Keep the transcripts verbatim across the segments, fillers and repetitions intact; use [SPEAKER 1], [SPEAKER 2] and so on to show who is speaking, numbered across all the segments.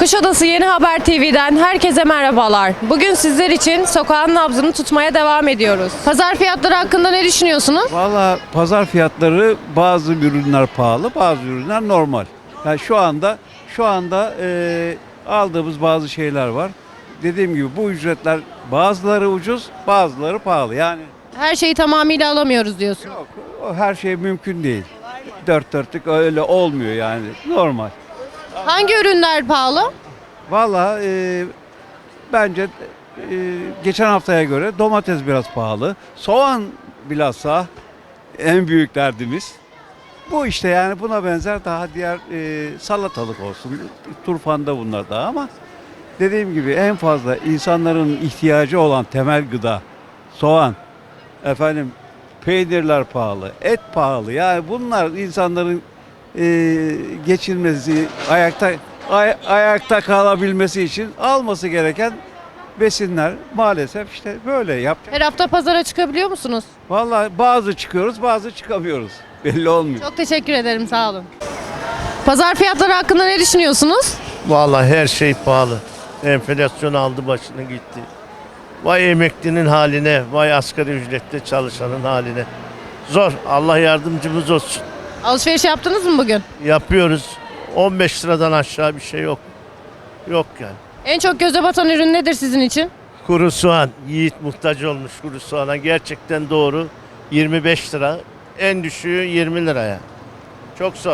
[SPEAKER 1] Kuşadası Yeni Haber T V'den herkese merhabalar. Bugün sizler için sokağın nabzını tutmaya devam ediyoruz. Pazar fiyatları hakkında ne düşünüyorsunuz?
[SPEAKER 2] Valla pazar fiyatları bazı ürünler pahalı, bazı ürünler normal. Yani şu anda şu anda e, aldığımız bazı şeyler var. Dediğim gibi bu ücretler bazıları ucuz, bazıları pahalı. Yani
[SPEAKER 1] Her şeyi tamamıyla alamıyoruz diyorsunuz.
[SPEAKER 2] yok, o her şey mümkün değil. Dört dörtlük öyle olmuyor yani normal.
[SPEAKER 1] Hangi ürünler pahalı?
[SPEAKER 2] Valla e, bence e, geçen haftaya göre domates biraz pahalı. Soğan bilhassa en büyük derdimiz. Bu işte yani buna benzer daha diğer e, salatalık olsun. Turfanda bunlar da ama dediğim gibi en fazla insanların ihtiyacı olan temel gıda soğan, efendim peynirler pahalı, et pahalı. Yani bunlar insanların e, geçinmesi, ayakta ay- ayakta kalabilmesi için alması gereken besinler maalesef işte böyle yap.
[SPEAKER 1] Her hafta pazara çıkabiliyor musunuz?
[SPEAKER 2] Vallahi bazı çıkıyoruz, bazı çıkamıyoruz. Belli olmuyor.
[SPEAKER 1] Çok teşekkür ederim, sağ olun. Pazar fiyatları hakkında ne düşünüyorsunuz?
[SPEAKER 3] Vallahi her şey pahalı. Enflasyon aldı başını gitti. Vay emeklinin haline, vay asgari ücrette çalışanın haline. Zor. Allah yardımcımız olsun.
[SPEAKER 1] Alışveriş yaptınız mı bugün?
[SPEAKER 3] Yapıyoruz. on beş liradan aşağı bir şey yok. Yok yani.
[SPEAKER 1] En çok göze batan ürün nedir sizin için?
[SPEAKER 3] Kuru soğan. Yiğit muhtaç olmuş kuru soğana. Gerçekten doğru. yirmi beş lira. En düşüğü yirmi liraya. Çok zor.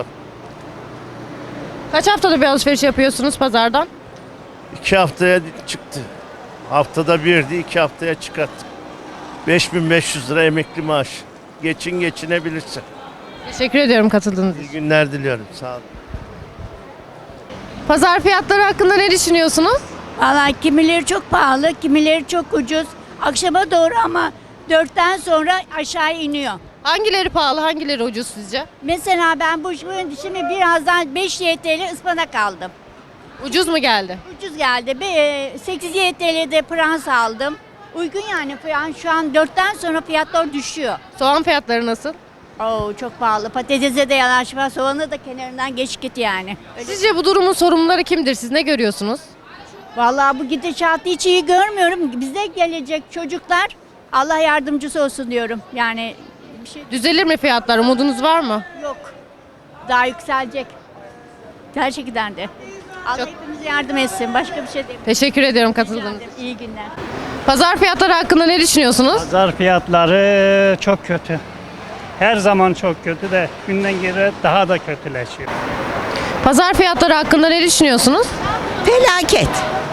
[SPEAKER 1] Kaç haftada bir alışveriş yapıyorsunuz pazardan?
[SPEAKER 3] İki haftaya çıktı. Haftada birdi, iki haftaya çıkarttık. beş bin beş yüz lira emekli maaş. Geçin geçinebilirsin.
[SPEAKER 1] Teşekkür ediyorum katıldığınız için.
[SPEAKER 3] İyi günler diliyorum. Sağ olun.
[SPEAKER 1] Pazar fiyatları hakkında ne düşünüyorsunuz?
[SPEAKER 4] Valla kimileri çok pahalı, kimileri çok ucuz. Akşama doğru ama dörtten sonra aşağı iniyor.
[SPEAKER 1] Hangileri pahalı, hangileri ucuz sizce?
[SPEAKER 4] Mesela ben bu şimdi birazdan beş Y T L ıspanak aldım.
[SPEAKER 1] Ucuz mu geldi?
[SPEAKER 4] Ucuz geldi. Be- sekiz Y T L'de prans aldım. Uygun yani yani şu an dörtten sonra fiyatlar düşüyor.
[SPEAKER 1] Soğan fiyatları nasıl?
[SPEAKER 4] Oo çok pahalı. Patatese de yanaşma, soğanı da kenarından geç git yani. Öyle-
[SPEAKER 1] Sizce bu durumun sorumluları kimdir? Siz ne görüyorsunuz?
[SPEAKER 4] Vallahi bu gidişatı hiç iyi görmüyorum. Bize gelecek çocuklar Allah yardımcısı olsun diyorum. Yani bir şey
[SPEAKER 1] Düzelir mi fiyatlar? Umudunuz var mı?
[SPEAKER 4] yok. Daha yükselecek. Gerçekten de. Allah
[SPEAKER 1] Çok-
[SPEAKER 4] hepimize yardım etsin. Başka bir şey demiyorum.
[SPEAKER 1] Teşekkür ediyorum katıldığınız için.
[SPEAKER 4] İyi günler.
[SPEAKER 1] Pazar fiyatları hakkında ne düşünüyorsunuz?
[SPEAKER 5] Pazar fiyatları çok kötü. Her zaman çok kötü de günden güne daha da kötüleşiyor.
[SPEAKER 1] Pazar fiyatları hakkında ne düşünüyorsunuz?
[SPEAKER 6] Felaket.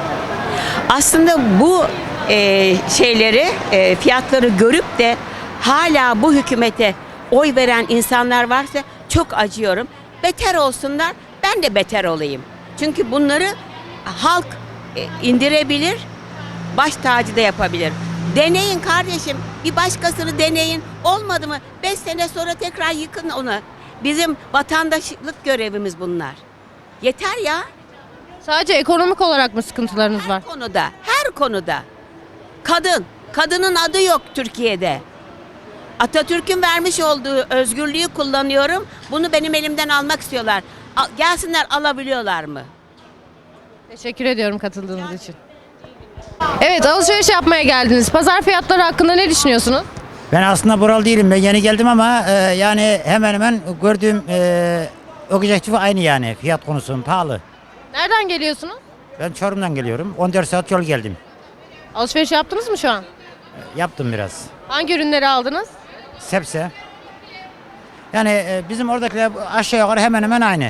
[SPEAKER 6] Aslında bu e, şeyleri, e, fiyatları görüp de hala bu hükümete oy veren insanlar varsa çok acıyorum. Beter olsunlar, ben de beter olayım. Çünkü bunları halk e, indirebilir, baş tacı da yapabilir. Deneyin kardeşim, bir başkasını deneyin. Olmadı mı? Beş sene sonra tekrar yıkın onu. Bizim vatandaşlık görevimiz bunlar. Yeter ya.
[SPEAKER 1] Sadece ekonomik olarak mı sıkıntılarınız var?
[SPEAKER 6] Her konuda, her konuda. Kadın, kadının adı yok Türkiye'de. Atatürk'ün vermiş olduğu özgürlüğü kullanıyorum. Bunu benim elimden almak istiyorlar. Al- gelsinler, alabiliyorlar mı?
[SPEAKER 1] Teşekkür ediyorum katıldığınız için. Evet, alışveriş yapmaya geldiniz. Pazar fiyatları hakkında ne düşünüyorsunuz?
[SPEAKER 7] Ben aslında buralı değilim. Ben yeni geldim ama e, yani hemen hemen gördüğüm e, objektif aynı yani. Fiyat konusu pahalı.
[SPEAKER 1] Nereden geliyorsunuz?
[SPEAKER 7] Ben Çorum'dan geliyorum. on dört saat yol geldim.
[SPEAKER 1] Alışveriş yaptınız mı şu an?
[SPEAKER 7] Yaptım biraz.
[SPEAKER 1] Hangi ürünleri aldınız?
[SPEAKER 7] Sebze. Yani e, bizim oradakiler aşağı yukarı hemen hemen aynı.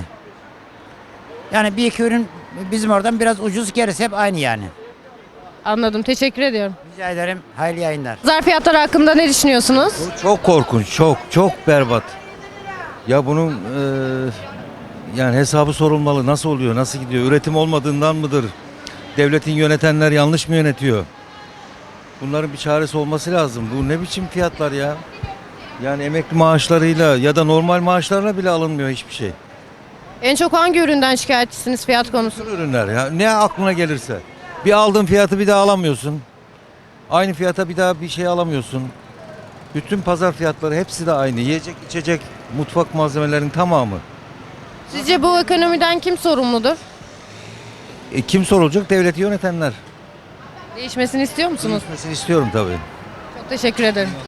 [SPEAKER 7] Yani bir iki ürün bizim oradan biraz ucuz, gerisi hep aynı yani.
[SPEAKER 1] Anladım, teşekkür ediyorum.
[SPEAKER 7] Rica ederim. Hayırlı yayınlar.
[SPEAKER 1] Pazar fiyatları hakkında ne düşünüyorsunuz?
[SPEAKER 8] Bu çok korkunç, çok çok berbat. Ya bunun e, yani hesabı sorulmalı. Nasıl oluyor, nasıl gidiyor? Üretim olmadığından mıdır? Devletin yönetenler yanlış mı yönetiyor? Bunların bir çaresi olması lazım. Bu ne biçim fiyatlar ya? Yani emekli maaşlarıyla ya da normal maaşlarla bile alınmıyor hiçbir şey.
[SPEAKER 1] En çok hangi üründen şikayetçisiniz fiyat konusunda?
[SPEAKER 8] Bütün ürünler ya ne aklına gelirse. Bir aldığın fiyatı bir daha alamıyorsun. Aynı fiyata bir daha bir şey alamıyorsun. Bütün pazar fiyatları hepsi de aynı. Yiyecek, içecek, mutfak malzemelerinin tamamı.
[SPEAKER 1] Sizce bu ekonomiden kim sorumludur?
[SPEAKER 8] E, kim sorulacak? Devleti yönetenler.
[SPEAKER 1] Değişmesini istiyor musunuz?
[SPEAKER 8] Değişmesini istiyorum tabii.
[SPEAKER 1] Çok teşekkür ederim.